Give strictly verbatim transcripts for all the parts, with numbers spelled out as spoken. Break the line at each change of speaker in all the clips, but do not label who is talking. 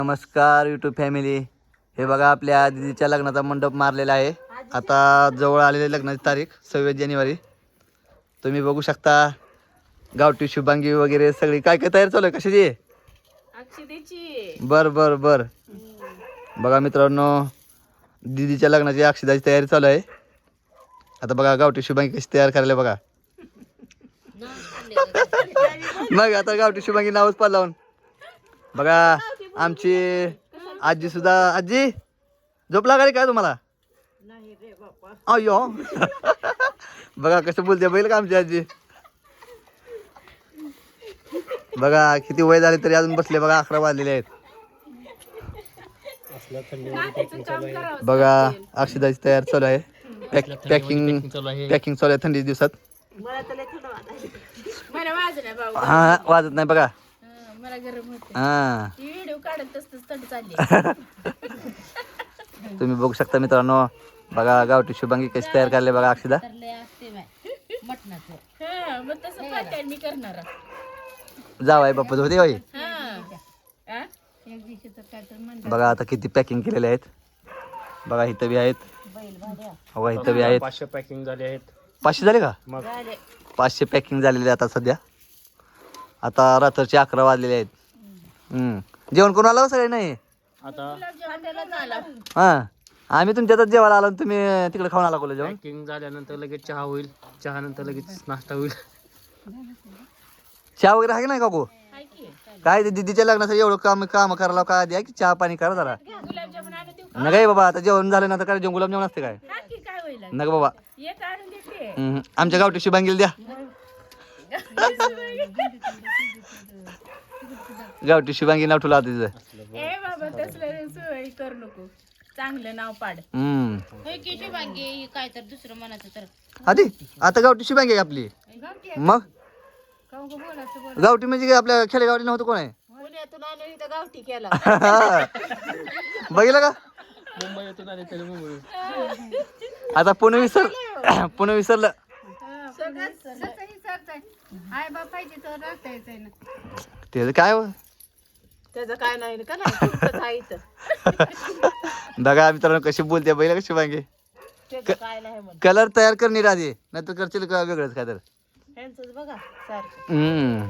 नमस्कार YouTube family. हे बघा आपल्या दीदीच्या लग्नाचा मंडप मारलेला आहे. आता जवळ आलेली लग्नाची तारीख सव्वीस जानेवारी. तुम्ही बघू शकता गावठी शुभांगी वगैरे सगळी काय काय तयार चालू आहे. कशाची?
अक्षतेची.
बर बर बर बघा मित्रांनो, दीदीच्या लग्नाची अक्षदाची तयारी चालू आहे. आता बघा गावठी शुभांगी कशी तयार करायला बघा. मग आता गावठी शुभांगी नावच पाड लावून बघा. आमची आजी सुद्धा. आजी झोप लागली काय तुम्हाला? अयो बघा कसं बोलते बैल का आमची आजी. बघा किती वय झाले तरी अजून बसले. बघा अकरा वाजलेले आहेत. बघा अक्षदाची तयार चालू आहे. पॅकिंग पॅकिंग चालू आहे थंडी दिवसात. हा वाजत नाही बघा.
मला गरम होते.
हा
व्हिडिओ काढत तसंच थंडी चालली.
तुम्ही बघू शकता मित्रांनो. बघा गावठी शुभांगी कशी तयार करायला बघा अक्षदा.
हा मग तसं पातळ मी करणार.
जावाय बाप्पा होते होय.
हा
बघा आता किती पॅकिंग केलेले आहेत. बघा इथं बी आहेत. बघा इथं बी आहेत.
पाचशे पॅकिंग झाले आहेत.
पाचशे झाले का?
मग
पाचशे पॅकिंग झालेले आता सध्या. आता रात्रीचे अकरा वाजलेले आहेत. हम्म जेवण करून आला सगळे नाही
आता
हा. आम्ही तुमच्यातच जेवायला आलो. तुम्ही तिकडे खाऊन आला कोला जेवण.
पॅकिंग झाल्यानंतर लगेच चहा होईल. चहा नंतर लगेच नाश्ता होईल.
चहा वगैरे आहे की नाही काकू?
हाय की.
काय ते दीदीच्या लग्नासाठी एवढं काम काम करायला काय द्या की चहा पाणी करा जरा.
गुलाबजामुन आणून देऊ.
नका बाबा आता जेवण झालं ना तर काय जेवण गुलाबजामुन असते काय?
हा की काय होईल?
नका बाबा.
एक आणून देते.
हम्म. आमच्या गावठी शुभांगीला द्या. गावठी शुभांगी नाव ठेवलं आता तिचं.
ए बाबा तसलं सोय करू नको. चांगलं नाव पाड.
हम्म
शुभांगी काय तर दुसरं म्हणायचं तर
आधी आता गावठी शुभांगी आहे आपली. मग गावठी म्हणजे काय आपल्या खेडेगावठी नव्हतं कोण आहे?
पुण्यातून आणून इथं गावठी केला.
बघितलं का?
मुंबईतून आले तरी मुंबई.
आता पुणे विसर पुणे विसरलं.
हाय बापायची तर राहतायचं ना.
त्याचं काय हो?
त्याचं काय नाही का नाही इथं.
बघा मित्रांनो कशी बोलते बैल कशी शुभांगी.
त्याचं काय नाही म्हण.
कलर तयार करणे आधी नाही तर करशील का वेगळंच काय तर.
ह्यांचंच बघा सारखं.
हम्म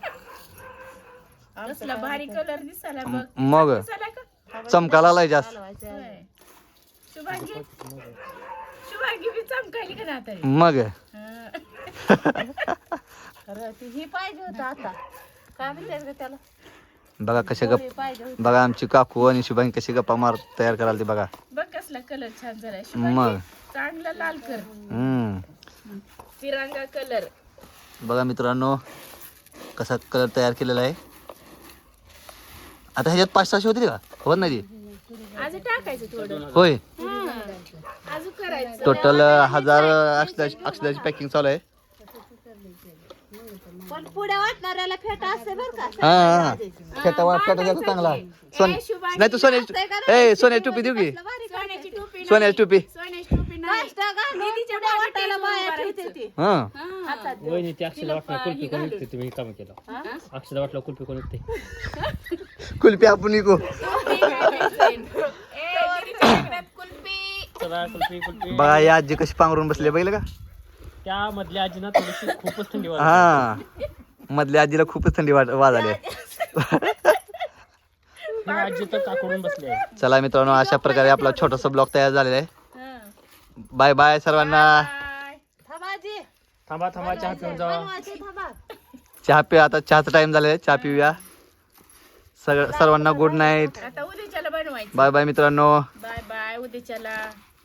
कसला भारी कलर दिसायला बघ.
मग
दिसायला का?
चमकाला लाय जास्त.
होय. शुभांगी शुभांगी बी चमकायली का ना तरी.
मग
ही पाहिजे होतं आता. काय म्हणते त्याला?
बघा कशा गप.
पाहिजे होतं.
बघा आमची काकू आणि शुभांगी कशी गप्पा मार तयार करायला ते बघा.
बघ कसला कलर छान झालाय.
मग.
शुभांगी चांगला लाल कर.
हम्म
तिरंगा कलर.
बघा मित्रांनो कसा कलर तयार केलेला आहे. आता ह्याच्यात पाच सहाशे होती का? होत नाही ती.
अजून टाकायचं थोडं.
होय
अजून करायचं.
टोटल हजार अक्षदाची अक्षदाची पॅकिंग चालू आहे.
पण पुढे वाटणाऱ्याला फेटा असते बरं का.
हा हा फेटा वाट फेटा घ्यायचा चांगला. सोन नाही तू सोन्याची ए सोन्याची टोपी देऊ की.
सोन्याची टोपी.
सोन्याची टोपी.
सोन्याची टोपी नाही. दीदीच्या वाटायला बाया ठेवते ती.
हा
हातात.
वहिनी ती अक्षदा वाटला कुल्फी कोण विकते तुम्ही काम केलं. अक्षदा वाटला कुल्फी कोण विकते.
कुल्फी आपण निघू.
चला कुल्फी कुल्फी.
बघा या आजी कशी पांघरून बसले बघितलं का?
त्या मधल्या आजीना थोडीशी खूपच थंडी वाजते.
हा मधल्या आजीला खूपच थंडी वाज वाजाली.
ही आजी तर काकडून बसली आहे.
चला मित्रांनो अशा प्रकारे आपला छोटासा ब्लॉग तयार झालेला आहे. बाय बाय सर्वांना.
थांबा थांबा चहा पिऊन जावा.
चहा पि आता चहाचा टाइम झालेला आहे. चहा पिऊया. सगळं सर्वांना गुड नाईट.
आता उद्याच्याला बनवायचं.
बाय बाय मित्रांनो.
Bye bye उद्याच्याला.